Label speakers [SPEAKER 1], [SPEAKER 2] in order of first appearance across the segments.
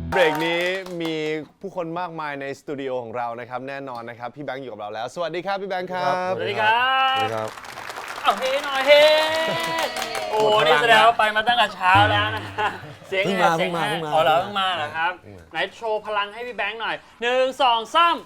[SPEAKER 1] เบรกนี้มีผู้คนมากมายในสตูดิโอของเรานะครับแน่นอนนะครับพี่แบงค์อยู่กับเราแล้วสวัสดีครับพี่แบงค์ครับ
[SPEAKER 2] สวัสดีครับ
[SPEAKER 3] สวัสดีครับ
[SPEAKER 2] เอาเฮ้หน่อยเฮ้โอ้นี่แสดงว่าไปมาตั้งแต่เช้าแล้วนะเสียง
[SPEAKER 3] เพิ่ง
[SPEAKER 2] ไง
[SPEAKER 3] มา
[SPEAKER 2] เสียง
[SPEAKER 3] เพิ่งมา
[SPEAKER 2] ไง
[SPEAKER 3] เพิ่งมา
[SPEAKER 2] อ๋อเหรอเพิ่งมาเหรอครับไหนโชว์พลังให้พี่แบงค์หน่อย1 2 3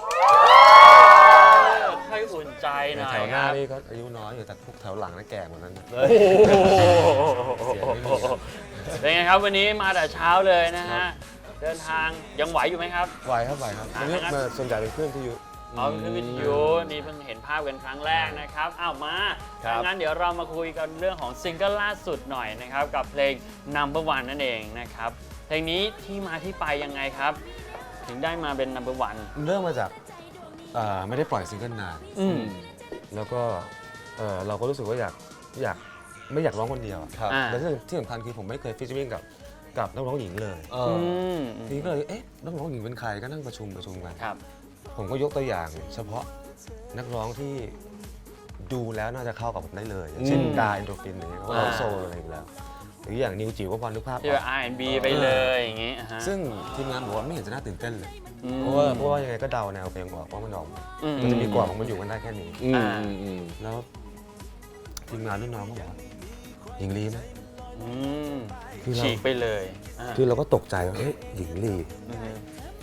[SPEAKER 2] ค่อยอุ่นใจหน่อย
[SPEAKER 3] แถวห
[SPEAKER 2] ค
[SPEAKER 3] น้า
[SPEAKER 2] รับ
[SPEAKER 3] นี่ก็อายุน้อยอยู่แต่พวกแถวหลังน่ะแก่หมดแล้วนะ
[SPEAKER 2] โอ้โหเป็นไงครับวันนี้มาแต่เช้าเลยนะฮะเดินทางยังไหวอยู่ไหมครับ
[SPEAKER 3] ไหวครับวันนี้มาส่วนใหญ่เป็นเครื่องที่อยู่
[SPEAKER 2] เอาขึ้นวิทยุนี่เพิ่งเห็นภาพกันครั้งแรกนะครับอ้าวมางั้นเดี๋ยวเรามาคุยกันเรื่องของซิงเกิลล่าสุดหน่อยนะครับกับเพลง Number One นั่นเองนะครับเพลงนี้ที่มาที่ไปยังไงครับ ถึงได้มาเป็น Number One
[SPEAKER 3] เริ่มมาจากไม่ได้ปล่อยซิงเกิลนานแล้วก็เราก็รู้สึกว่าไม่อยากร้องคนเดียว
[SPEAKER 1] ครับ
[SPEAKER 3] แต่ที่สำคัญคือผมไม่เคยฟีเจอริ่งกับนักร้องหญิงเลย ทีนี้ก็เลยนักร้องหญิงเป็นใครก็นั่งประชุมกัน
[SPEAKER 2] ครับ
[SPEAKER 3] ผมก็ยกตัวอย่างเฉพาะนักร้องที่ดูแล้วน่าจะเข้ากับผมได้เลยอย่างเช่นกาอินโดฟินอย่างเงี้ยเขาร้องโซลอะไรอยู่แล้วหรืออย่างนิวจิ๋วก็พอนึกภาพอ
[SPEAKER 2] ที่
[SPEAKER 3] อ
[SPEAKER 2] แบบ
[SPEAKER 3] ก
[SPEAKER 2] R&B ไปเลยอย่างงี้อ่าฮะ
[SPEAKER 3] ซึ่งทีมงานบอกว่าไม่เห็นจะน่าตื่นเต้นเลย
[SPEAKER 2] อืม
[SPEAKER 3] เพราะว่ายังไงก็เดาแนวเพลงออกว่ามันออกมา
[SPEAKER 2] อืม
[SPEAKER 3] มันจะมีกรอบของมันอยู่กันได้แค่นี้
[SPEAKER 1] อืม
[SPEAKER 3] แล้วทีมงานรุ่นน้องก็บอกว่าหญิงลีไหม
[SPEAKER 2] อืม
[SPEAKER 3] คือเรา
[SPEAKER 2] ฉีกไปเลยอ่า
[SPEAKER 3] คือเราก็ตกใจว่าเฮ้ยหญิงลี
[SPEAKER 2] อืม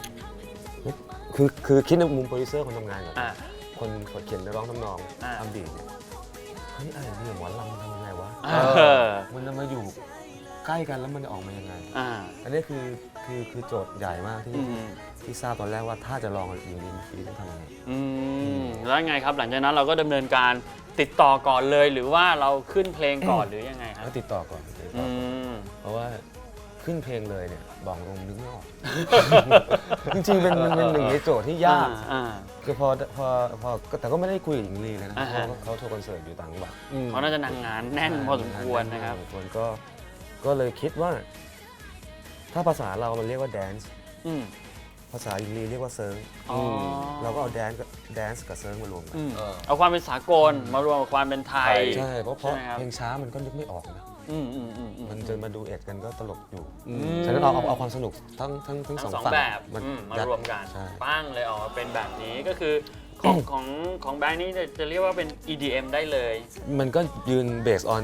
[SPEAKER 3] คือคิดในมุมโปรดิวเซอร์คนทำงานกับ
[SPEAKER 2] อ่า
[SPEAKER 3] คนเขียนเนื้อร้องทำนอง
[SPEAKER 2] อ่า
[SPEAKER 3] ทำบีทเนี่ยเฮ้ยอะไรเนี่ยหมอลำมันทำยังไงวะ
[SPEAKER 2] เออ
[SPEAKER 3] มันจะมาอยู่ใกล้กันแล้วมันจะออกมายังไง
[SPEAKER 2] อ่า
[SPEAKER 3] อันนี้คือโจทย์ใหญ่มากที่ทราบตอนแรกว่าถ้าจะลองหญิงลีฟีต้องทำยังไง
[SPEAKER 2] แล้วไงครับหลังจากนั้นเราก็ดำเนินการติดต่อก่อนเลยหรือว่าเราขึ้นเพลงก่อนหรือยังไงครับ
[SPEAKER 3] แล้วติดต่อก่อน
[SPEAKER 2] อืม
[SPEAKER 3] เพราะว่าขึ้นเพลงเลยเนี่ยบอกตรงนึกไม่ออก จริงๆมันเป็นหนึ่งในโจทย์ที่ยาก
[SPEAKER 2] อ่า
[SPEAKER 3] คือพอแต่ก็ไม่ได้คุยกับหญิงลีเลยนะ
[SPEAKER 2] อ่าฮะ
[SPEAKER 3] เพราะเขาโทรคอนเสิร์ตอยู่ต่างจังหวัด
[SPEAKER 2] เขาน่าจะนางงานแน่นพอสมควรนะครับ
[SPEAKER 3] คนก็เลยคิดว่า ถ้าภาษาเราเรียกว่าแดนซ์
[SPEAKER 2] อืม
[SPEAKER 3] ภาษาหญิงลีเรียกว่าเซิร์ง
[SPEAKER 2] อ๋อ
[SPEAKER 3] เราก็เอาแดนซ์กับเซิร์งมารวมกัน
[SPEAKER 2] เอาความเป็นสากลมารวมกับความเป็นไทย
[SPEAKER 3] ใช่เพราะ
[SPEAKER 2] ใช่ไหมครับ
[SPEAKER 3] เพลงช้ามันก็นึกไม่ออกนะ มัน
[SPEAKER 2] น
[SPEAKER 3] จะมาดูเอ็ดกันก็ตลกอยู่
[SPEAKER 2] ม
[SPEAKER 3] ฉะนั้นเอาความสนุกทั้งสอง
[SPEAKER 2] สอง
[SPEAKER 3] ฝั่ง
[SPEAKER 2] แบบ
[SPEAKER 3] มัน
[SPEAKER 2] มารวมกัน
[SPEAKER 3] ใช่
[SPEAKER 2] ปั้งเลยออกมาเป็นแบบนี้ก็คือของแบงค์นี่จะเรียกว่าเป็น EDM ได้เลย
[SPEAKER 3] มันก็ยืน based on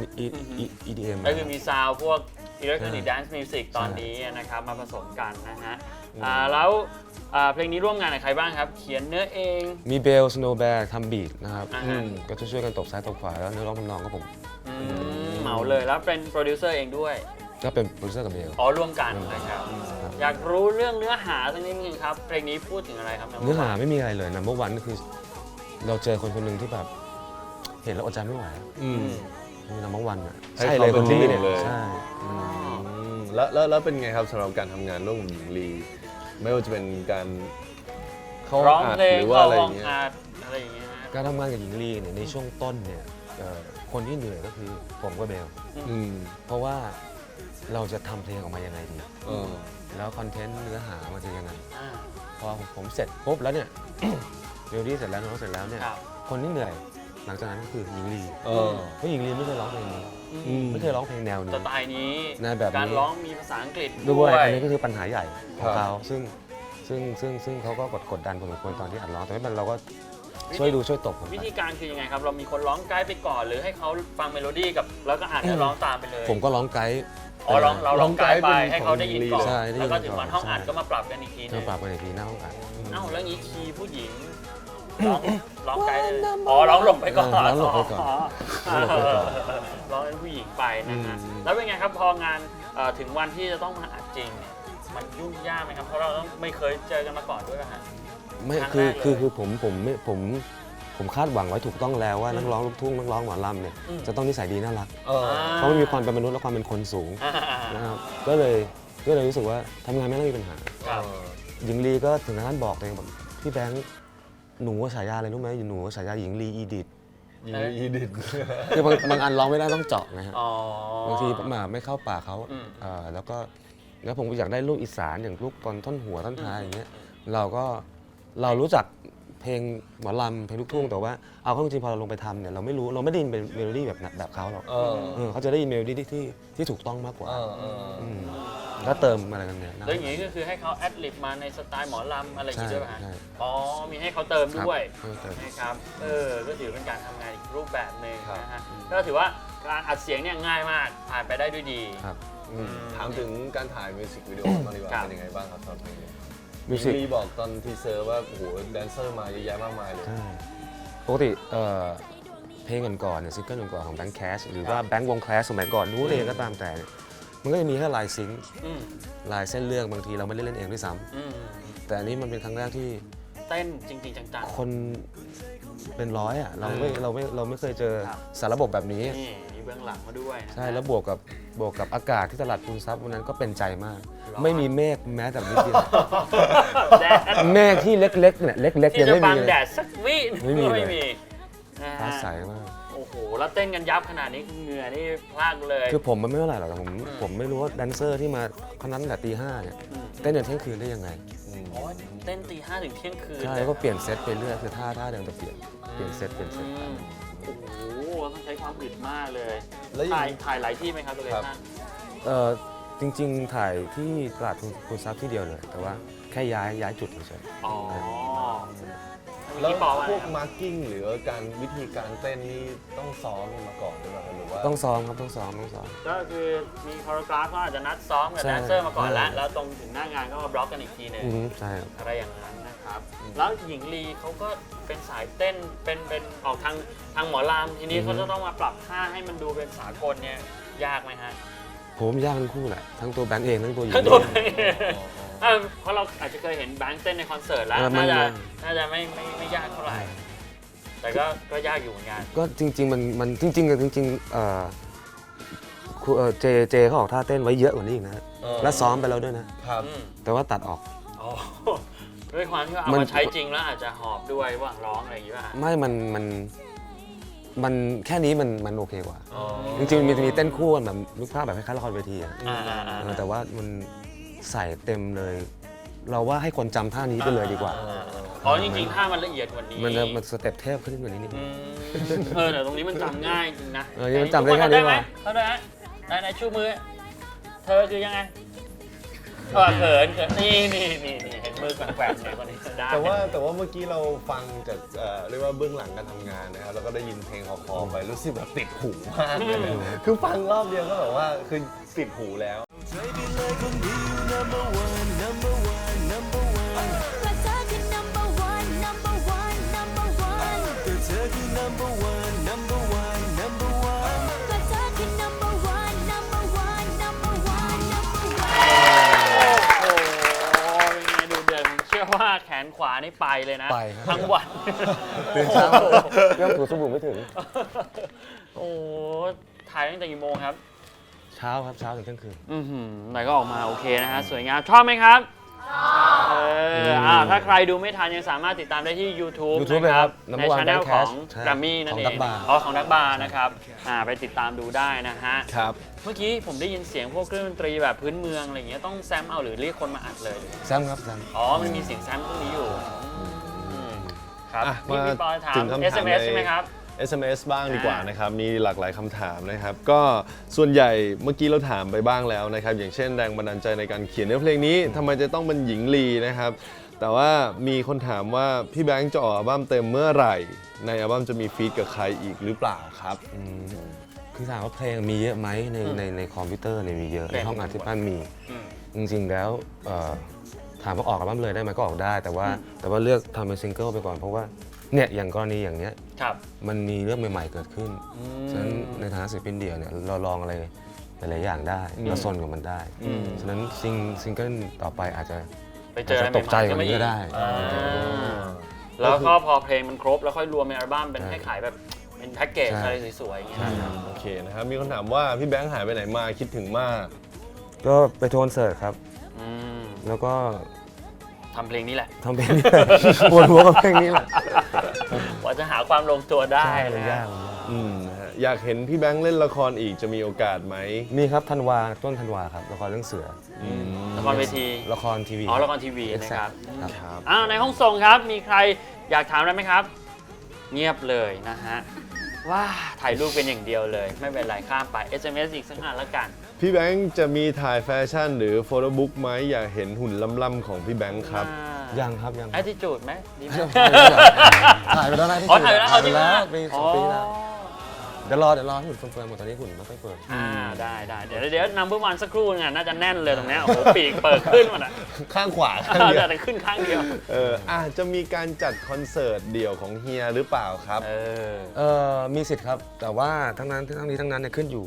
[SPEAKER 3] EDM
[SPEAKER 2] ก็คือมีซาวด์พวก Electronic Dance Music ตอนนี้นะครับมาผสมกันนะฮะแล้วเพลงนี้ร่วมงานกับใครบ้างครับ เขียนเนื้อเอง
[SPEAKER 3] มีเบลสโนว์แบร์ทำบีทนะครับ
[SPEAKER 2] อ่าฮะ
[SPEAKER 3] ก็จะช่วยกันตบซ้ายตบขวาแล้วเนื้อร้องทำนองก็ผม
[SPEAKER 2] เหมาเลยแล้วเป็นโปรดิวเซอร์เองด้วย
[SPEAKER 3] ก็เป็นโปรดิวเซอร์กับเบล
[SPEAKER 2] อ๋อร่วมกันนะครับอยากรู้เรื่องเนื้อหาสักนิดนึงครับเพลงนี้พูดถึงอะไรครับ
[SPEAKER 3] เนื้อหาไม่มีอะไรเลยนัมเบอร์วันก็คือ เราเจอคนคนหนึ่งที่แบบ เห็นแล้วอดใจไม่ไหวมีนัมเบอร์วันอ่ะ
[SPEAKER 1] ให้
[SPEAKER 3] ใช่
[SPEAKER 1] เขา
[SPEAKER 3] เลย
[SPEAKER 1] เป็
[SPEAKER 3] คน น
[SPEAKER 1] ที่
[SPEAKER 3] นี้
[SPEAKER 1] หนึ่
[SPEAKER 3] เนี่ย
[SPEAKER 1] งเลย
[SPEAKER 3] ใช่
[SPEAKER 1] แล้วเป็นไงครับสำหรับการทำงานร่วมกับหญิงลี ไม่ว่าจะเป็นการเข้า
[SPEAKER 2] ร้อง
[SPEAKER 1] อัด
[SPEAKER 2] เพลง
[SPEAKER 1] หรือว่า
[SPEAKER 2] เข้า
[SPEAKER 1] อะไรอ
[SPEAKER 2] ห้อง
[SPEAKER 1] ย่างเงี้ย
[SPEAKER 2] อัดอะไรอย่างเงี้ยนะ
[SPEAKER 3] การทำงานกับหญิงลีเนี่ยในช่วงต้นเนี่ยคนที่เหนื่อยก็คือผมกับเบล
[SPEAKER 1] อืม
[SPEAKER 3] เพราะว่าเราจะทำเพลงออกมายังไงดี
[SPEAKER 1] เออ
[SPEAKER 3] แล้วคอนเทนต์เนื้อหามันจะยังไง
[SPEAKER 2] อ่า
[SPEAKER 3] พอผมเสร็จปุ๊บแล้วเนี่ย เรลดี้เสร็จแล้วน้องเสร็จแล้วเนี่ย
[SPEAKER 2] ครับ
[SPEAKER 3] คนที่เหนื่อยหลังจากนั้นก็คือหญิงลี
[SPEAKER 1] เออ
[SPEAKER 3] เพราะหญิงลีไม่เคยร้องเพลงนี้
[SPEAKER 1] อืม
[SPEAKER 3] ไม่เคยร้องเพลงแนว
[SPEAKER 2] ส
[SPEAKER 3] นี้
[SPEAKER 2] ไตล์นี้
[SPEAKER 3] ในแบบนี้
[SPEAKER 2] การร้องมีภาษาอังกฤษ
[SPEAKER 3] ด้วยอันนี้ก็คือปัญหาใหญ่ข
[SPEAKER 1] ค
[SPEAKER 3] อง
[SPEAKER 1] รับ
[SPEAKER 3] เขาซึ่งเขาก็กดดันพอสมควรตอนที่อัดร้องแต่ไม่เป็นไรเราก็ช่วยดูช่วยตบผมไป
[SPEAKER 2] วิธีการคือยังไงครับ เรามีคนร้องไกด์ไปก่อนหรือให้เขาฟังเมโลดี้กับแล้วก็อ่านเนื้อร้องตามไปเลย
[SPEAKER 3] ผมก็ร้องไกด์
[SPEAKER 2] อ๋อเราร้องไกด์ไปให้เขาได้ยินก่อน
[SPEAKER 3] ใช่ได้ยิน
[SPEAKER 2] แล้วก็ถึงวันห้องอัด
[SPEAKER 3] ใช่
[SPEAKER 2] ก็มาปรับกันอีกทีหนึ
[SPEAKER 3] เธ
[SPEAKER 2] ง
[SPEAKER 3] อปรับไปในทีหน้าห้องอัด
[SPEAKER 2] เอ้าแล้วงี้คีย์ผู้หญิงร้องไกด์เลยอ๋อร้องหลบไปก่อน
[SPEAKER 3] ร้องหลบไปก่อน ร้องหลบไปก่อน
[SPEAKER 2] ร้องเป็นผู้หญิงไปนะฮะ
[SPEAKER 1] อืม
[SPEAKER 2] แล้วเป็นไงครับพองานถึงวันที่จะต้องมาอัดจริงเนี่ยมันยุ่งยากไหมครับเพราะเราต้องไม่เคยเจอกันมาก่อนด้วยนะฮะ
[SPEAKER 3] ไม่
[SPEAKER 2] ครั้ง
[SPEAKER 3] คือ
[SPEAKER 2] แรกเลย
[SPEAKER 3] คือผมคาดหวังไว้ถูกต้องแล้วว่านักร้องลูกทุ่งนักร้องหมอลำเนี่ย
[SPEAKER 2] อืม
[SPEAKER 3] จะต้องนิสัยดีน่ารัก
[SPEAKER 1] เออ
[SPEAKER 3] เพราะมันมีความเป็นมนุษย์และความเป็นคนสูง
[SPEAKER 2] อ่า
[SPEAKER 3] นะครับก็เลยรู้สึกว่าทำงานไม่ต้องมีปัญหา
[SPEAKER 2] ครับ
[SPEAKER 3] หญิงลีก็ถึงขั้นบอกเลยบอกพี่แบงค์หนูว่าฉายาอะไรรู้ไหมหนูว่าฉายาหญิงลีอีดิท
[SPEAKER 1] หญิงลีอีดิท
[SPEAKER 3] คือบางอันร้องไม่ได้ต้องเจาะนะฮะ
[SPEAKER 2] อ๋อบ
[SPEAKER 3] างทีไม่เข้าปากเขา
[SPEAKER 2] อืม
[SPEAKER 3] แล้วผมก็อยากได้ลูกอีสานอย่างลูกตอนท่อนหัวท่อนท้ายอย่างเงี้ยเรารู้จักเพลงหมอลำเพลงลูกทุ่งแต่ว่าเอาเข้าจริงๆพอเราลงไปทำเนี่ยเราไม่ได้ยินเป็นเมโลดี้แบบเขาหรอก
[SPEAKER 1] เออ
[SPEAKER 3] เขาจะได้ยินเมโลดี้ที่ถูกต้องมากกว่า
[SPEAKER 1] เออ
[SPEAKER 3] มก็เติมอะไรกันเนี่ยนะ
[SPEAKER 2] แล้วอย่างนี้ก็คือให้เขาแอดลิบมาในสไตล์หมอลำอะไรอย่างนี้ด้วยป่ะฮะ
[SPEAKER 3] ใช่
[SPEAKER 2] อ๋อมีให้เขาเติมด้วย
[SPEAKER 3] ครับให้เติม
[SPEAKER 2] นะครับก็ถือเป็นการทำงานอีกรูปแบบหนึ่ง
[SPEAKER 1] ครับ
[SPEAKER 2] นะฮะก็ถือว่าการอัดเสียงเนี่ยง่ายมากผ่านไปได้ด้วยดี
[SPEAKER 3] ครับ
[SPEAKER 1] ถามถึงการถ่ายมิวสิกวิดีโอมางดีกว่า
[SPEAKER 2] ครับ
[SPEAKER 1] เป็นยังไงบ้างครับสำหรับเพลงนี้
[SPEAKER 3] มิวสิก
[SPEAKER 1] ลีบอกตอนทีเซอร์ว่าโอ้โหแดนเซอร์มาเยอะแยะมากมายเลย
[SPEAKER 3] ใช่ปกติเพลงก่อนๆเนี่ยซิงเกิลก่อนๆของแบงค์แคชหรือว่าแบงค์วงแคสสมัยก่อนนู้นเองก็ตามแต่เนี่ยมันก็จะมีแค่ลายซิงค์
[SPEAKER 2] อืม
[SPEAKER 3] ลายเส้นเรื่องบางทีเราไม่ได้เล่นเองด้วยซ้
[SPEAKER 2] อืม
[SPEAKER 3] ำแต่อันนี้มันเป็นครั้งแรกที่
[SPEAKER 2] เต้นจริงๆจัง
[SPEAKER 3] คนเป็นร้อยอ่ะเราไม่เคยเจอ
[SPEAKER 2] ครับ
[SPEAKER 3] สารระบบแบบนี้
[SPEAKER 2] ๆนี่มีเบื้องหลังมาด้วยนะ
[SPEAKER 3] ใช่แล้วบวกกับอากาศที่ตลาดทุนทรัพย์วันนั้นก็เป็นใจมาก
[SPEAKER 2] ร้อน
[SPEAKER 3] ไม่มีเมฆแม้แต่นิดเดียว
[SPEAKER 2] แดด
[SPEAKER 3] เมฆที่เล็กๆเนี่ยเล็กๆ
[SPEAKER 2] ที่
[SPEAKER 3] ยัง
[SPEAKER 2] จะ
[SPEAKER 3] ไม่
[SPEAKER 2] บั
[SPEAKER 3] มี
[SPEAKER 2] ง
[SPEAKER 3] เลย
[SPEAKER 2] แดดสักวิ
[SPEAKER 3] ไม่มีเลย
[SPEAKER 2] ไม่มีนะ
[SPEAKER 3] ฟ้า
[SPEAKER 2] ฮะ
[SPEAKER 3] ใสมาก
[SPEAKER 2] โอ้โหแล้วเต้นกันยับขนาดนี้เหงื่อนี่พลากเลย
[SPEAKER 3] คือผมมันไม่เท่าไหร่หรอกแต่ผมไม่รู้ว่าแดนเซอร์ที่มาคนนั้นตั้งแต่ตีห้าเนี่ย
[SPEAKER 2] อืม
[SPEAKER 3] เต้นจนเที่ยงคืนได้ยังไง
[SPEAKER 2] อ๋อเต้นตี 5 ถึงเที่ยงคืน
[SPEAKER 3] ใช่แล้วก็เปลี่ยนเซตไปเรื่อยคือท่าเดิมจะเปลี่ยนเซต
[SPEAKER 2] อืมโอ้โหต้องใช้ความอึดมากเลย
[SPEAKER 1] แล้วอย่างนี้
[SPEAKER 2] ถ่ายหลายที่ไหมครับตัวเล
[SPEAKER 1] ครับ
[SPEAKER 2] ท่าน
[SPEAKER 3] จริงๆ ถ่ายที่ตลาดทุนทรัพย์ที่เดียวเลย แต่ว่าแค่ย้ายจุดเฉย
[SPEAKER 2] อ๋อ
[SPEAKER 1] แล้ว
[SPEAKER 2] พี่ปอว่า
[SPEAKER 1] พวกมาร์กิ้งหรือการวิธีการเต้นนี่ต้องซ้อมมาก่อนหรือเปล่าหรือว่า
[SPEAKER 3] ๆต้องซ้อมครับต้องซ้อม
[SPEAKER 2] ก็คือมีคอโรกราฟก็อาจจะนัดซ้อมกับ
[SPEAKER 3] ใช่
[SPEAKER 2] แดนเซอร์มาก่อนแล้ว
[SPEAKER 3] ใช่
[SPEAKER 2] แล้วตรงถึงหน้างานก็มาบล็อกกันอีกทีหนึง
[SPEAKER 3] ใช่ครับ
[SPEAKER 2] อะไรอย่างนั้นนะครับ แล้วหญิงลีเขาก็เป็นสายเต้นเป็นออกทางหมอลำทีนี้เขาจะต้องมาปรับท่าให้มันดูเป็นสากลเนี่ยยากไหมฮะ
[SPEAKER 3] ผมยากทั้งคู่แหละทั้งตัวแบงค์เองทั้งตัวหญิง
[SPEAKER 2] ทั้งตัว
[SPEAKER 3] เอง
[SPEAKER 2] เพราะเราอาจจะเคยเห็นแบงค์เต้นในคอนเสิร์ตแล้ว
[SPEAKER 3] มัน
[SPEAKER 2] น่าจะไม่ยากเท่าไหร่ แต่ก็ยากอยู่เหมือนกัน
[SPEAKER 3] ก็จริงๆมันจริงครูเจเขาออกท่าเต้นไว้เยอะกว่านี้อีกนะฮะและซ้อมไปแล้วด้วยนะ
[SPEAKER 1] ครับ
[SPEAKER 2] อืม
[SPEAKER 3] แต่ว่าตัดออก
[SPEAKER 2] อ๋อด้วยความที่ว่าเอา
[SPEAKER 3] มัน
[SPEAKER 2] มาใช้จริงแล้วอาจจะหอบด้วยระหว่างร้องอะไรอย่างงี้ป่ะ
[SPEAKER 3] ไม่มันแค่นี้มันโอเคกว่า
[SPEAKER 1] อ๋อ
[SPEAKER 3] จริงๆมีเต้นคู่กันแบบนึกภาพแบบคล้ายๆละครเวทีอะ แต่ว่ามันใส่เต็มเลย เราว่าให้คนจำท่านี้ไปเลยดีกว่า
[SPEAKER 2] อ๋อจริงๆท่ามันละเอียดกว่านี้
[SPEAKER 3] มันสเต็ปเทพขึ้นกว่านี้นิดนึ
[SPEAKER 2] อื
[SPEAKER 3] ง
[SPEAKER 2] มแต่ตรงนี้มันจำง่ายจริงนะ
[SPEAKER 3] นี่มันจำได้แค่นี้
[SPEAKER 2] ไหม
[SPEAKER 3] ว่ะ
[SPEAKER 2] เขาได้ไหมไหนชูมือ เธอคือยังไงเขินนี่เห็นมือแกว่งๆเนี่ยคนนี้ได้
[SPEAKER 1] แต่ว่าเมื่อกี้เราฟังจากเรียกว่าเบื้องหลังการทำงานนะครับแล้วก็ได้ยินเพลงคอๆไปรู้สึกแบบติดหูมากเลยคือฟังรอบเดียวก็แบบว่าคือติดหูแล้ว
[SPEAKER 4] ก็เธอคือ number one number one number one ก็เธอคือ number one number one number one ก็เธอคือ number one number one number one number one
[SPEAKER 2] โอ้โหเป็นไงดูเดือดผมเชื่อว่าแขนขวานี่ไปเลยนะ
[SPEAKER 3] ไปครับ
[SPEAKER 2] ทั้งวัน
[SPEAKER 3] ตื่นเช้าเรื่องถูสบู่ไม่ถึง
[SPEAKER 2] โอ้โหถ่ายตั้งแต่กี่โมงครับ
[SPEAKER 3] เช้าครับเช้าถึงเที่ยงคืน
[SPEAKER 2] แต่ก็ออกมาโอเคนะฮะ สวยงาม ชอบไหมครับชอบถ้าใครดูไม่ทันยังสามารถติดตามได้ที่ YouTube
[SPEAKER 3] YouTube
[SPEAKER 2] นะครั
[SPEAKER 3] เลยครับ บ
[SPEAKER 2] ใน
[SPEAKER 3] Number One
[SPEAKER 2] ช anel ของ
[SPEAKER 3] ใช่
[SPEAKER 2] แกรมมี่นั่นเอง
[SPEAKER 3] ของ Duck Bar
[SPEAKER 2] ของดักบาร์นะครับไปติดตามดูได้นะฮะ
[SPEAKER 1] ครับ
[SPEAKER 2] เมื่อกี้ผมได้ยินเสียงพวกเครื่องดนตรีแบบพื้นเมืองอะไรอย่างเงี้ยต้องแซมเอาหรือเรียกคนมาอัดเลย
[SPEAKER 3] แซมครับแซม
[SPEAKER 2] อ๋อ มันมีเสียงแซมพวกนี้อยู่ครับ
[SPEAKER 1] อ่ะ
[SPEAKER 2] พี่
[SPEAKER 1] มา
[SPEAKER 2] ปอถาม
[SPEAKER 1] ถึงคำถาม
[SPEAKER 2] SMS
[SPEAKER 1] ใน
[SPEAKER 2] ใช่ไหมครับ
[SPEAKER 1] SMS บ้างดีกว่านะครับมีหลากหลายคำถามนะครับ ก็ส่วนใหญ่เมื่อกี้เราถามไปบ้างแล้วนะครับ อย่างเช่นแรงบันดาลใจในการเขียนเนื้อเพลงนี้ทำไมจะต้องเป็นหญิงลีนะครับ แต่ว่ามีคนถามว่าพี่แบงค์จะออกอัลบั้มเต็มเมื่อไหร่ ในอัลบั้มจะมีฟีดกับใครอีกหรือเปล่าครับ
[SPEAKER 3] คือถามว่าเพลงมีเยอะไหมในคอมพิวเตอร์เนี่ยมีเยอะ
[SPEAKER 2] เพล
[SPEAKER 3] ใน
[SPEAKER 2] ง
[SPEAKER 3] ห้องอัดที่บ้านมี
[SPEAKER 2] อืม
[SPEAKER 3] จริงๆแล้วถามว่าออกอัลบั้มเลยได้ไหมก็ออกได้ แต่ว่าเลือกทำเป็นซิงเกิลไปก่อนเพราะว่าเนี่ยอย่างกรณีอย่างเนี้ย
[SPEAKER 2] ครับ
[SPEAKER 3] มันมีเรื่องใหม่ๆเกิดขึ้น ฉะนั้นในฐานะศิลปินเดี่ยวเนี่ยเราลองอะไรหลายๆอย่างได้เราซนกับมันได้ ฉะนั้นซิงเกิลต่อไปอาจจะ
[SPEAKER 2] ไปเจออะไร
[SPEAKER 3] ตกใจกว่านี้ก็ได้
[SPEAKER 2] แล้วก็พอเพลงมันครบแล้วค่อยรวมในอัลบั้มเป็นให้ขายแบบเป็นแพ็กเกจ
[SPEAKER 3] ใช่
[SPEAKER 2] อะไรสวยๆอย่างเงี้ย
[SPEAKER 1] โอเคนะครับ มีคนถามว่าพี่แบงค์หายไปไหนมาคิดถึงมาก
[SPEAKER 3] ก็ไปโทนเสิร์ตครับ
[SPEAKER 2] อืม
[SPEAKER 3] แล้วก็
[SPEAKER 2] ทำเพลงนี้แหละ
[SPEAKER 3] ทำเพลงนี้ ปวดหัวกับเพลงนี้แหละ
[SPEAKER 2] กว่าจะหาความลงตัวได้
[SPEAKER 3] ใช่มัน
[SPEAKER 2] นะ
[SPEAKER 3] ยากมันยาก
[SPEAKER 1] นะฮะอยากเห็นพี่แบงค์เล่นละครอีกจะมีโอกาสไหม
[SPEAKER 3] มีครับต้นธันวาครับละครเรื่องเสือ
[SPEAKER 2] ละครเวที
[SPEAKER 3] ละครทีวี
[SPEAKER 2] อ๋อละครทีวีนะครับ
[SPEAKER 3] ครับ
[SPEAKER 1] ครับ
[SPEAKER 2] ในห้องส่งครับมีใครอยากถามอะไรไหมครับ เงียบเลยนะฮะว้าถ่ายรูปเป็นอย่างเดียวเลย ไม่เป็นไรข้ามไป SMS อีกสักอันละกัน
[SPEAKER 1] พี่แบงค์จะมีถ่ายแฟชั่นหรือโฟโต้บุ๊กไหมอยากเห็นหุ่นล่ำๆของพี่แบงค์ครับ
[SPEAKER 3] ยังครับยัง
[SPEAKER 2] แอทติจูดไหมดีไหม
[SPEAKER 3] ถ่ายไปแล้วนะที่
[SPEAKER 2] อ๋อถ่ายไปแล้วเอาจริง
[SPEAKER 3] แล้ว
[SPEAKER 2] นะ
[SPEAKER 3] ปีสองปีแล้วเดี๋ยวรอให้หุ่นเฟิร์มๆหมดตอนนี้หุ่นไม่ค่อยเฟิร์ม
[SPEAKER 2] ได้เดี๋ยวนัมเบอร์วันสักครู่นึงน่าจะแน่นเลยตรงเนี้ยโอ้โหปีกเปิดขึ้นหมดอ่ะ
[SPEAKER 1] ข้างขวาข้างเดียว
[SPEAKER 2] แต่ขึ้นข้างเดียว
[SPEAKER 1] อาจจะมีการจัดคอนเสิร์ตเดี่ยวของเฮียหรือเปล่าครับ
[SPEAKER 3] มีสิทธิ์ครับ แต่ว่าทั้งนี้ทั้งนั้นเนี่ยขึ้นอยู่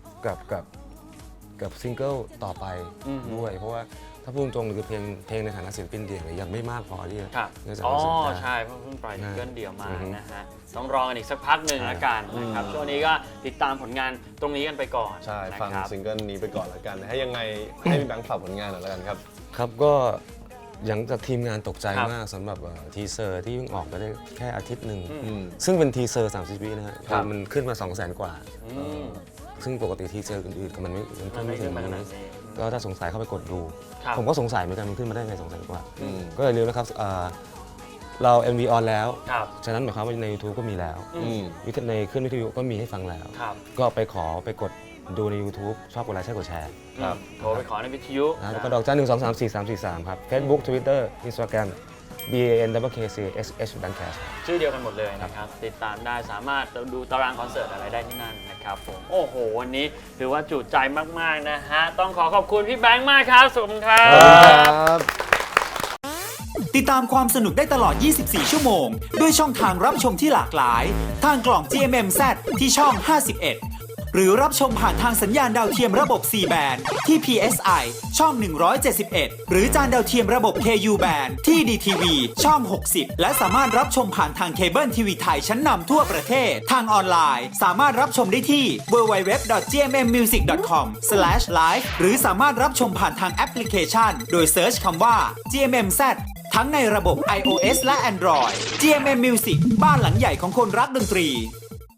[SPEAKER 3] กับซิงเกิลต่อไปด้วย เพราะว่าถ้าพูดตรงๆคือเพลงในฐานะศิลปินเดี่ยวเนี่ยยังไม่มากพอที่จะ
[SPEAKER 2] ครับ
[SPEAKER 3] จะ
[SPEAKER 2] อ๋อ
[SPEAKER 3] คอนเสิร์ตได้
[SPEAKER 2] ใช่เพราะเพิ่งปล่อยซิงเกิลเดี่ยวมา
[SPEAKER 3] อือฮึ
[SPEAKER 2] นะฮะต้องรอกันอีกสักพักหนึ่งละกันนะครับช่วงนี้ก็ติดตามผลงานตรงนี้กันไปก่อน
[SPEAKER 1] ใช่
[SPEAKER 2] นะ
[SPEAKER 1] ฟัง
[SPEAKER 2] ครับ
[SPEAKER 1] ซิงเกิลนี้ไปก่อนละกันให้ยังไงให้พี่แบงค์ฝากผลงานหน่อยละกันครับ
[SPEAKER 3] ครับก็อย่างจากทีมงานตกใจ
[SPEAKER 2] ครับ
[SPEAKER 3] มากสำหรับทีเซอร์ที่เพิ่งออกไปได้แค่อาทิตย์หนึ่ง
[SPEAKER 1] อืม
[SPEAKER 3] ซึ่งเป็นทีเซอร์30 วินะฮะ
[SPEAKER 1] ครับ
[SPEAKER 3] มันขึ้นมา 200,000 กว่า
[SPEAKER 2] อืม
[SPEAKER 3] ซึ่งปกติทีเซอร์อื่นๆก็มันขึ้นไม่ถึง
[SPEAKER 2] มันไม่ขึ้นมาขนาด
[SPEAKER 3] นี้
[SPEAKER 2] นี้
[SPEAKER 3] ก็ถ้าสงสัยเข้าไปกดดู
[SPEAKER 2] ครับ
[SPEAKER 3] ผมก็สงสัยเหมือนกันมันขึ้นมาได้ไง200,000 กว่า
[SPEAKER 1] อืม
[SPEAKER 3] ก็อย่าลืมนะครับเรา MV ออนแล้ว
[SPEAKER 2] ครับ
[SPEAKER 3] ฉะนั้นหมายความว่าใน YouTube ก็มีแล้ว
[SPEAKER 1] อืม
[SPEAKER 3] ในขึ้นวิทยุก็มีให้ฟังแล้ว
[SPEAKER 2] ครับ
[SPEAKER 3] ก็ไปกดดูใน YouTube ชอบกดไลค์ใช่กดแชร์
[SPEAKER 1] ครับ
[SPEAKER 2] โทรไปขอในวิทยุ
[SPEAKER 3] นะแล้วก็ดอกจัน1234343 ครับ Facebook Twitter Instagram BANKKCSH Bankcast
[SPEAKER 2] ชื่อเดียวกันหมดเลยนะครับ ติดตามได้สามารถดูตารางคอนเสิร์ตอะไรได้ที่นั่นนะครับผมโอ้โห วันนี้ถือว่าจุใจมากๆนะฮะต้องขอบคุณพี่แบงค์มากครับสวัสดีครับ
[SPEAKER 1] ครับ
[SPEAKER 5] ติดตามความสนุกได้ตลอด 24 ชั่วโมง ด้วยช่องทางรับชมที่หลากหลาย ทางกล่อง GMMZ ที่ช่อง 51 หรือรับชมผ่านทางสัญญาณดาวเทียมระบบ C band ที่ PSI ช่อง 171 หรือจานดาวเทียมระบบ KU band ที่ DTV ช่อง 60 และสามารถรับชมผ่านทางเคเบิลทีวีไทยชั้นนำทั่วประเทศ ทางออนไลน์สามารถรับชมได้ที่ www.gmmmusic.com/live หรือสามารถรับชมผ่านทางแอปพลิเคชัน โดยเซิร์ชคำว่า GMMZ ทั้งในระบบ iOS และ Android GMM Music บ้านหลังใหญ่ของคนรักดนตรี